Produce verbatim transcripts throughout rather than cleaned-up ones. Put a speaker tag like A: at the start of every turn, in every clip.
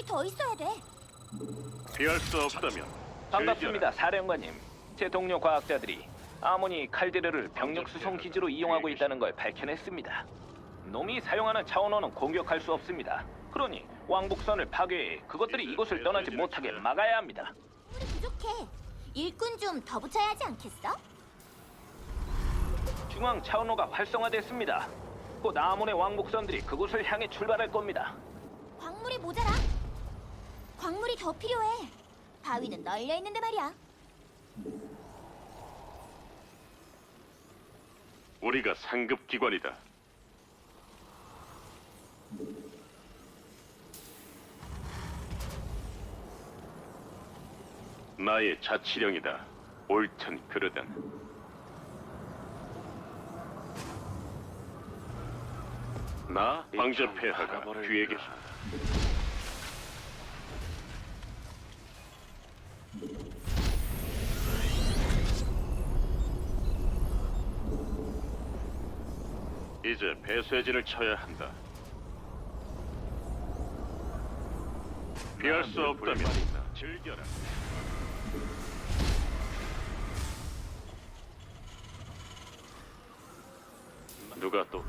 A: 더 있어야 돼.
B: 피할 수 없다면
C: 반갑습니다, 사령관님. 제 동료 과학자들이 아모니 칼데르를 병력 수송 기지로 이용하고 있다는 걸 밝혀냈습니다. 놈이 사용하는 차원호는 공격할 수 없습니다. 그러니 왕복선을 파괴해 그것들이 이곳을 떠나지 못하게 막아야 합니다.
A: 우리 부족해. 일꾼 좀 더 붙여야 하지 않겠어?
C: 중앙 차원호가 활성화됐습니다. 곧 아몬의 왕복선들이 그곳을 향해 출발할 겁니다.
A: 광물이 모자라. 광물이 더 필요해. 바위는 널려 있는데 말이야.
B: 우리가 상급 기관이다. 나의 자치령이다. 옳든 그르든. 나 황제 폐하가 뒤에 계신다. 이제 배쇄진을 쳐야 한다. 피할 수 없다면 즐겨라. 누가 또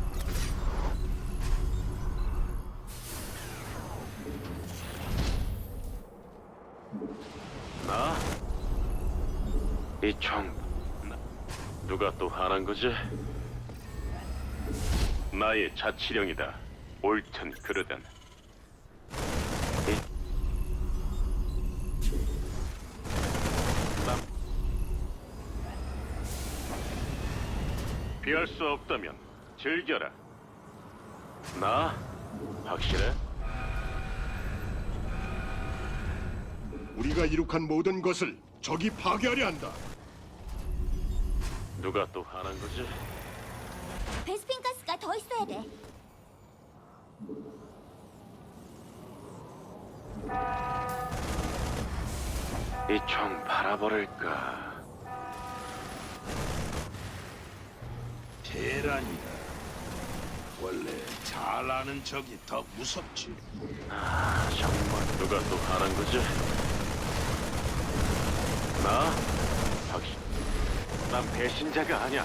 B: 나? 이 총 누가 또 화난 거지? 나의 자치령이다. 옳든 그르든. 남 피할 수 없다면 즐겨라. 나? 확실해?
D: 우리가 이룩한 모든 것을 적이 파괴하려 한다.
B: 누가 또 화난 거지?
A: 베스핀 가스가 더 있어야 돼.
B: 이 총 바라버릴까?
E: 테란이다. 원래 잘 아는 적이 더 무섭지.
B: 아, 정말 누가 또 화난 거지? 나? 확실. 난 배신자가 아니야.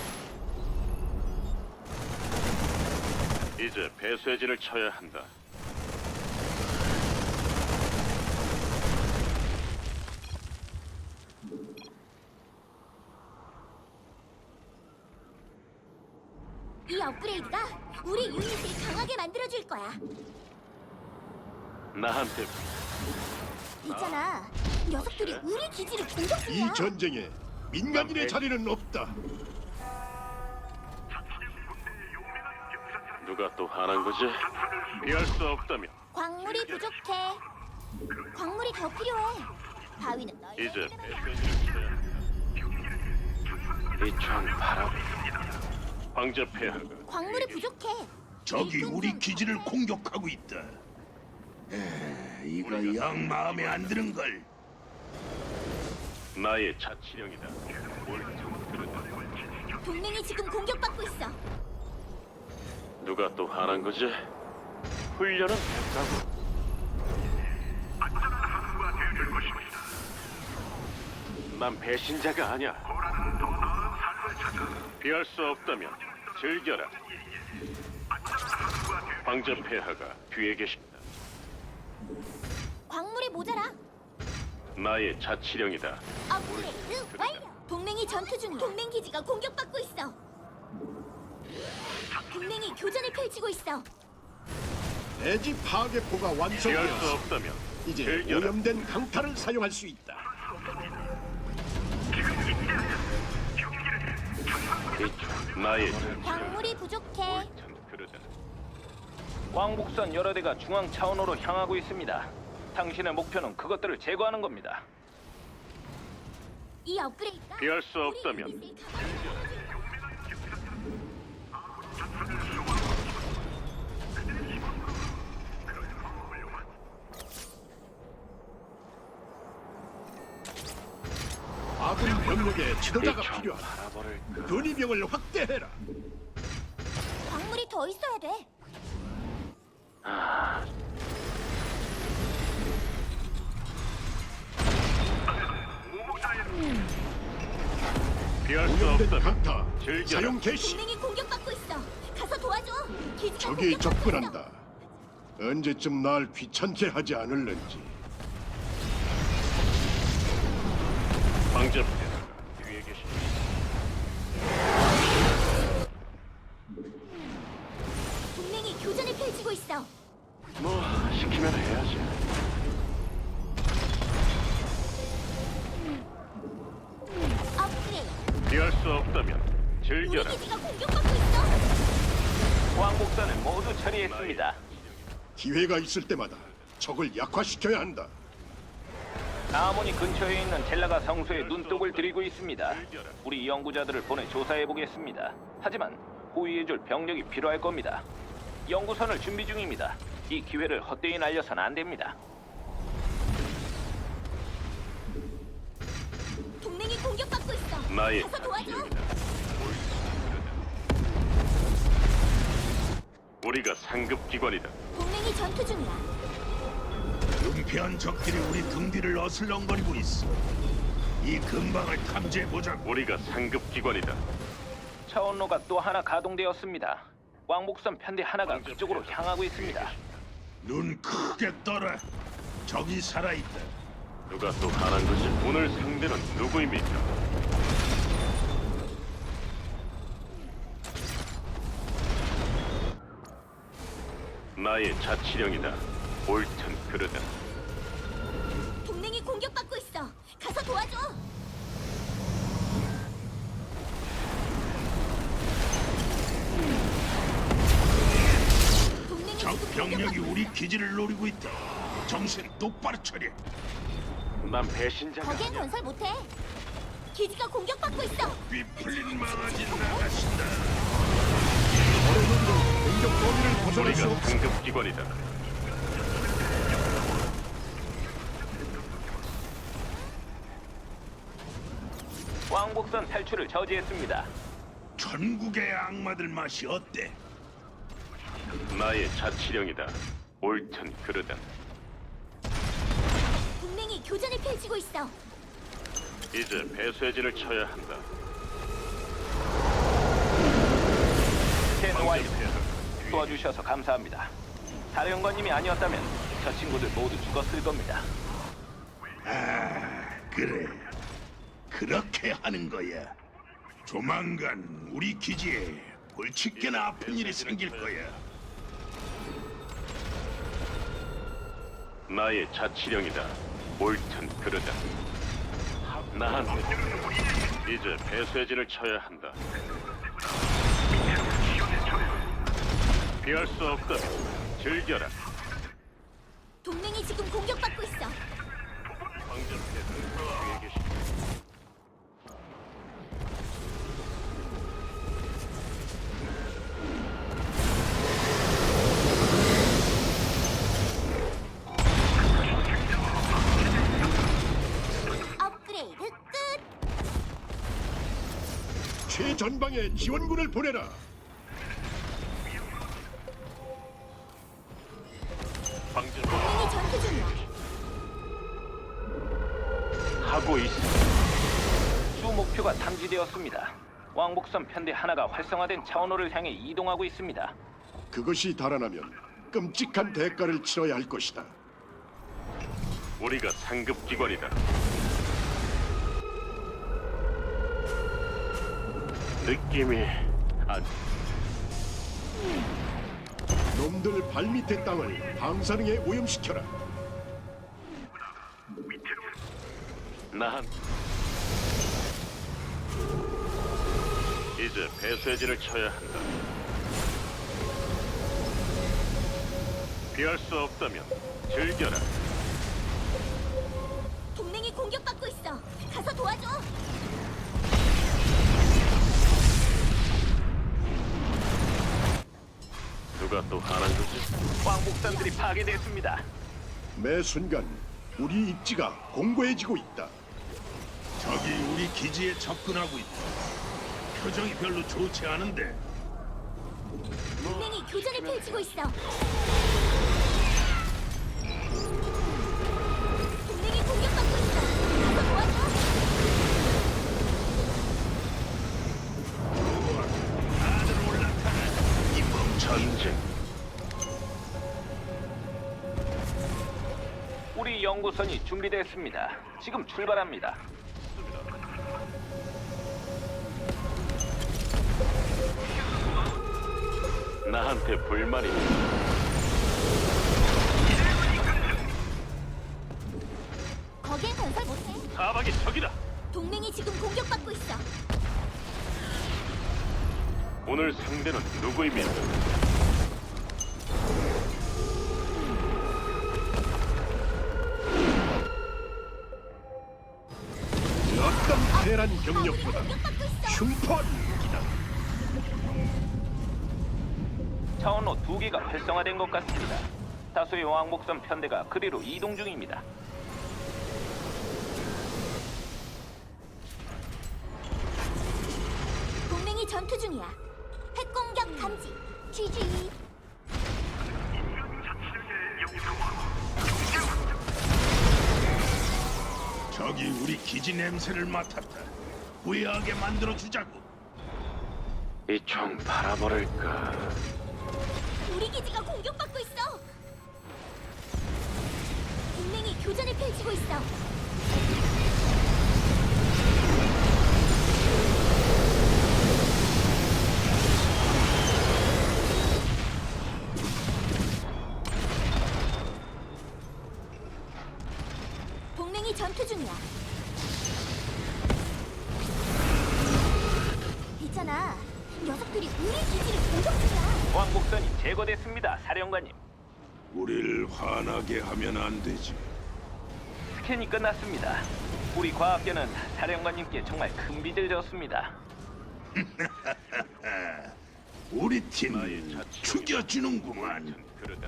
B: 이제 배쇄진을 쳐야 한다.
A: 이 업그레이드가 우리 유닛을 강하게 만들어줄 거야.
B: 나한테
A: 있잖아. 녀석들이 우리 기지를 공격
D: 이
A: 중이야.
D: 전쟁에 민간인의 자리는 없다.
B: 누가 또 화난 거지? 피할 수 없다면
A: 광물이 부족해. 광물이 더 필요해. 바위는 널려
B: 이제
A: 있는데 말이야.
B: 배쇄진을 쳐야 한다. 이총 바라. 황제 폐하가
A: 광물이 부족해.
E: 적이
A: 일꾼
E: 우리
A: 좀
E: 기지를
A: 더
E: 공격하고 있다. 에, 이거 영 마음에 안 드는 걸.
B: 나의 자치령이다. 옳든 그르든.
A: 동맹이 지금 공격받고 있어.
B: 누가 또 화난 거지? 훈련은 됐다고. 난 배신자가 아니야. 피할 수 없다면 즐겨라. 황제 폐하가 뒤에 계신다.
A: 광물이 모자라.
B: 나의 자치령이다.
A: 업그레이드 완료. 동맹이 전투 중이야. 동맹 기지가 공격받고 있어. 동맹이 교전을 펼치고 있어.
D: 대지 파괴포가
B: 피할 수
D: 완성되었어.
B: 없다면
D: 이제
B: 즐겨라.
D: 오염된 강타를 사용할 수 있다.
B: 이총 나의
A: 광물이 부족해.
B: 옳든 그르든.
C: 왕복선 여러 대가 중앙 차원호로 향하고 있습니다. 당신의 목표는 그것들을 제거하는 겁니다.
A: 이 업그레이드가
B: 피할 수
A: 우리
B: 없다면
A: 유닛을 강하게 만들어줄 거야.
D: 아군 병력에 지도자가
B: 이총
D: 필요하다.
B: 바라버릴까?
D: 근위병을 확대해라.
A: 광물이 더 있어야 돼.
B: 피할 수
D: 오염된
B: 없다면
D: 강타
B: 즐겨라.
D: 사용 개시.
A: 동맹이 공격받고 있어. 가서 도와줘. 기지가
D: 적이
A: 공격받고 있어.
D: 접근한다. 언제쯤 날 귀찮게 하지 않을는지.
B: 방접대사가 뒤에 계십니다.
A: 동맹이 교전을 펼치고 있어.
B: 뭐 시키면 해야지.
A: 업그레이드.
B: 피할 수 없다면
A: 우리
B: 즐겨라.
A: 기지가 공격받고 있어.
C: 왕복선을 모두 처리했습니다.
D: 기회가 있을 때마다 적을 약화시켜야 한다.
C: 아모니 근처에 있는 젤라가 성소에 눈독을 들이고 있습니다. 우리 연구자들을 보내 조사해 보겠습니다. 하지만 호위해줄 병력이 필요할 겁니다. 연구선을 준비 중입니다. 이 기회를 헛되이 날려선 안 됩니다.
A: 동맹이 공격받고 있어.
B: 나의
A: 가서 도와줘.
B: 자치령이다. 우리가 상급 기관이다.
A: 동맹이 전투 중이야.
E: 은폐한 적들이 우리 등 뒤를 어슬렁거리고 있어. 이 근방을 탐지해 보자.
B: 우리가 상급 기관이다.
C: 차원로가 또 하나 가동되었습니다. 왕복선 편대 하나가 그쪽으로 향하고 있습니다.
E: 눈 크게 떠라. 적이 살아있다.
B: 누가 또 하는 거지? 오늘 상대는 누구입니까? 나의 자치령이다. 옳든 그르든.
A: 동맹이 공격받고 있어. 가서 도와줘. 동맹이
E: 적
A: 지금
E: 병력이
A: 공격받고
E: 우리
A: 있어.
E: 기지를 노리고 있다. 정신 똑바로 차려.
B: 난 배신자가
A: 거기엔
B: 아니야.
A: 건설 못해. 기지가 공격받고 있어.
E: 삐풀린 망아지 나가신다.
D: 공격 범위를 벗어날 수
B: 우리가
D: 없어.
B: 상급 기관이다.
C: 왕복선 탈출을 저지했습니다.
E: 전국의 악마들 맛이 어때?
B: 나의 자치령이다. 옳든 그르든.
A: 동맹이 교전을 펼치고 있어.
B: 이제 배쇄진을 쳐야 한다.
C: 스캔 완료. 도와주셔서 감사합니다. 사령관님이 아니었다면 저 친구들 모두 죽었을 겁니다.
E: 아, 그래. 그렇게 하는 거야. 조만간 우리 기지에 골칫게나 아픈 일이 생길 거야.
B: 나의 자치령이다. 옳든 그르든. 난 이제 배쇄진을 쳐야 한다. 피할 수 없다면 즐겨라.
A: 동맹이 지금 공격받고 있어.
B: 황제폐하가 뒤에 계십니다.
A: 업그레이드 끝.
D: 최전방에 지원군을 보내라.
B: 황제
A: 동맹이 전투 중이야.
B: 하고 있어.
C: 주 목표가 탐지되었습니다. 왕복선 편대 하나가 활성화된 차원호를 향해 이동하고 있습니다.
D: 그것이 달아나면 끔찍한 대가를 치러야 할 것이다.
B: 우리가 상급 기관이다. 느낌이 안.
D: 놈들 발밑의 땅을 방사능에 오염시켜라.
B: 난 이제 배쇄진을 쳐야 한다. 피할 수 없다면 즐겨라.
A: 동맹이 공격받고 있어. 가서 도와줘.
B: 누가 또 하는 거지?
C: 왕복선들이 파괴됐습니다.
D: 매 순간 우리 입지가 공고해지고 있다.
E: 적이 우리 기지에 접근하고 있다. 표정이 별로 좋지 않은데.
A: 동맹이 교전을 펼치고 있어. 동맹이 공격받고 있어. 가서 도와줘.
B: 전쟁.
C: 우리 연구선이 준비됐습니다. 지금 출발합니다.
B: 나한테 불만이
A: 거기엔 건설 못해.
B: 사박의 적이다.
A: 동맹이 지금 공격받고 있어.
B: 오늘 상대는 누구입니까?
D: 어떤 대란
A: 아군이
D: 병력보다
A: 공격받고 있어.
D: 흉포한 무기다.
C: 차원로 두 개가 활성화된 것 같습니다. 다수의 왕복선 편대가 그리로 이동 중입니다.
A: 동맹이 전투 중이야. 핵공격 감지. 지지.
E: 저기 우리 기지 냄새를 맡았다. 후회하게 만들어 주자고.
B: 이 총 바라버릴까?
A: 우리 기지가 공격받고 있어. 동맹이 교전을 펼치고 있어. 동맹이 전투 중이야. 있잖아. 녀석들이 우리 기지를 공격 중이야.
C: 왕복선이 제거됐습니다, 사령관님.
E: 우릴 화나게 하면 안 되지.
C: 스캔이 끝났습니다. 우리 과학계는 사령관님께 정말 큰 빚을 졌습니다.
E: 우리 팀 죽여주는구만.
B: 그러다.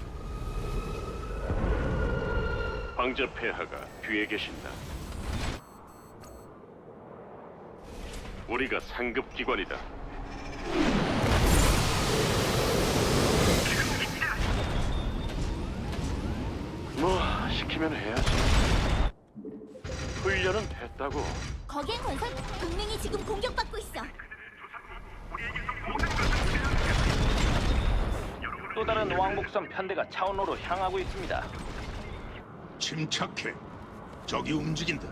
B: 황제 폐하가 뒤에 계신다. 우리가 상급 기관이다. 뭐 시키면 해야지. 훈련은 됐다고.
A: 거기엔 건설 동맹이 지금 공격받고 있어.
C: 또 다른 왕복선 편대가 차원로로 향하고 있습니다.
E: 침착해. 저기 움직인다.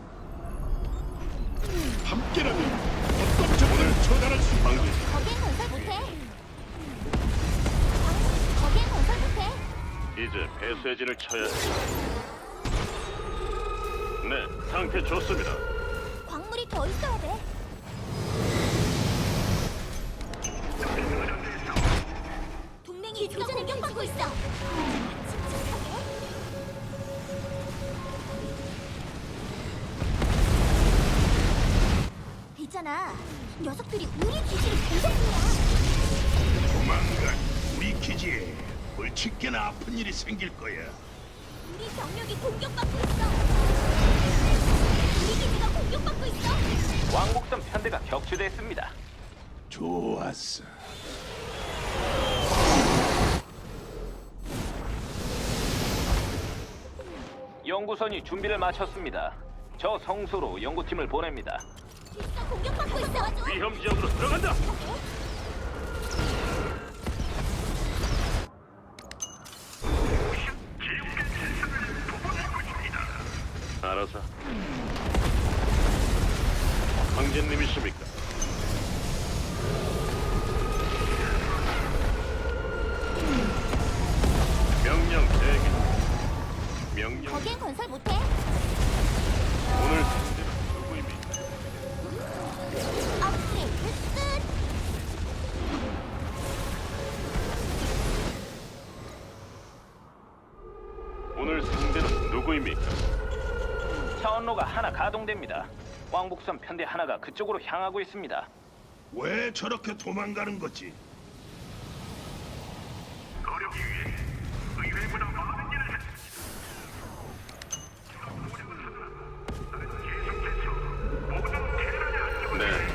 D: 함께라면 어떤 적을 처단할 수 있다.
B: 황제
A: 거기엔 건설 못해. 거- 거기엔 건설 못해.
B: 이제 배쇄진을 쳐야 해. 네, 상태 좋습니다.
A: 광물이 더 있어야 돼. 동맹이 교전을 공격받고 있어. 침착하게. 있잖아. 녀석들이 우리 기지를 공격 중이야.
E: 조만간 우리 기지에 벌칙게나 아픈 일이 생길 거야.
A: 우리 병력이 공격받고 있어. 우리 기지가 공격받고 있어.
C: 왕복선 편대가 격추됐습니다.
E: 좋았어.
C: 연구선이 준비를 마쳤습니다. 저 성소로 연구팀을 보냅니다.
A: 기지가 공격받고 있어.
B: 위험 지역으로 들어간다. 알아서. 황제님이십니까? 명령 대기. 명령.
A: 거기엔 건설 못해.
B: 오늘 상대는 누구입니까?
A: 업그레이드 끝.
B: 오늘 상대는 누구입니까?
C: 차원로가 하나 가동됩니다. 왕복선 편대 하나가 그쪽으로 향하고 있습니다.
E: 왜 저렇게 도망가는 거지?
B: 네.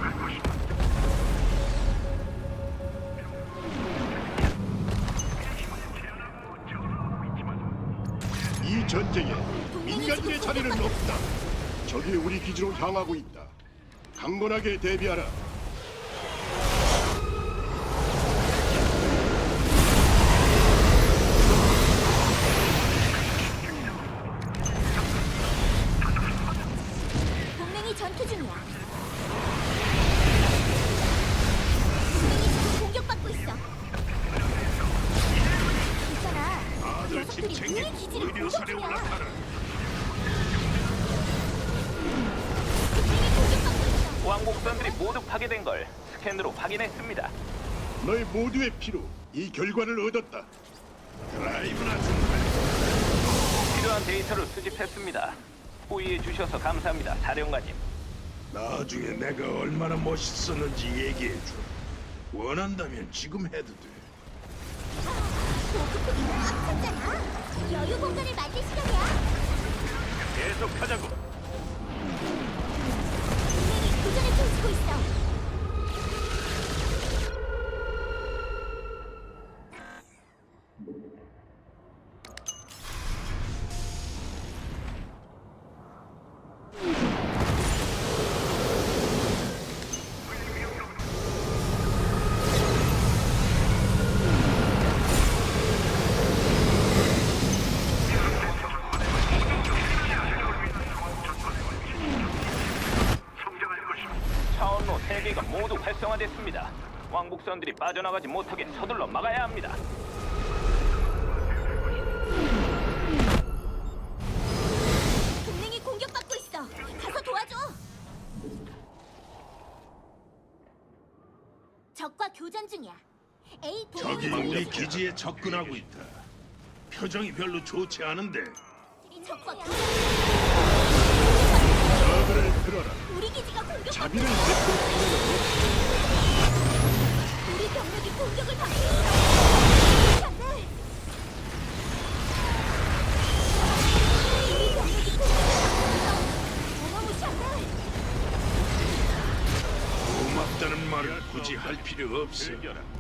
D: 이 전쟁에 민간인의 자리는 없다. 적이 우리 기지로 향하고 있다. 강건하게 대비하라.
C: 된 걸 스캔으로 확인했습니다.
D: 너희 모두의 피로 이 결과를 얻었다.
E: 드라이브나 좀
C: 필요한 데이터를 수집했습니다. 호의해 주셔서 감사합니다, 사령관님.
E: 나중에 내가 얼마나 멋있었는지 얘기해줘. 원한다면 지금 해도 돼.
A: 보급품이 엄청잖아. 여유 공간을 만들 시간이야.
B: 계속하자고.
A: 동맹이 교전을 펼치고 있어.
C: 차원로 세 개가 모두 활성화됐습니다. 왕복선들이 빠져나가지 못하게 서둘러 막아야 합니다.
A: 동맹이 공격받고 있어. 가서 도와줘. 적과 교전 중이야. A
E: 적이 우리 기지에 접근하고 있다. 표정이 별로 좋지 않은데.
A: 적과 교전.
D: 저들을 들어라.
A: 우리 기지가 공격받고
D: 자비를
A: 있어.
D: 베풀 필요는 없다.
A: 우리 병력이 공격을 받고 있어. 안돼. 우리 병력이 공격을 받고 있어. 어마무시한데.
E: 고맙다는 말을 굳이 할 필요 없어.
B: 즐겨라.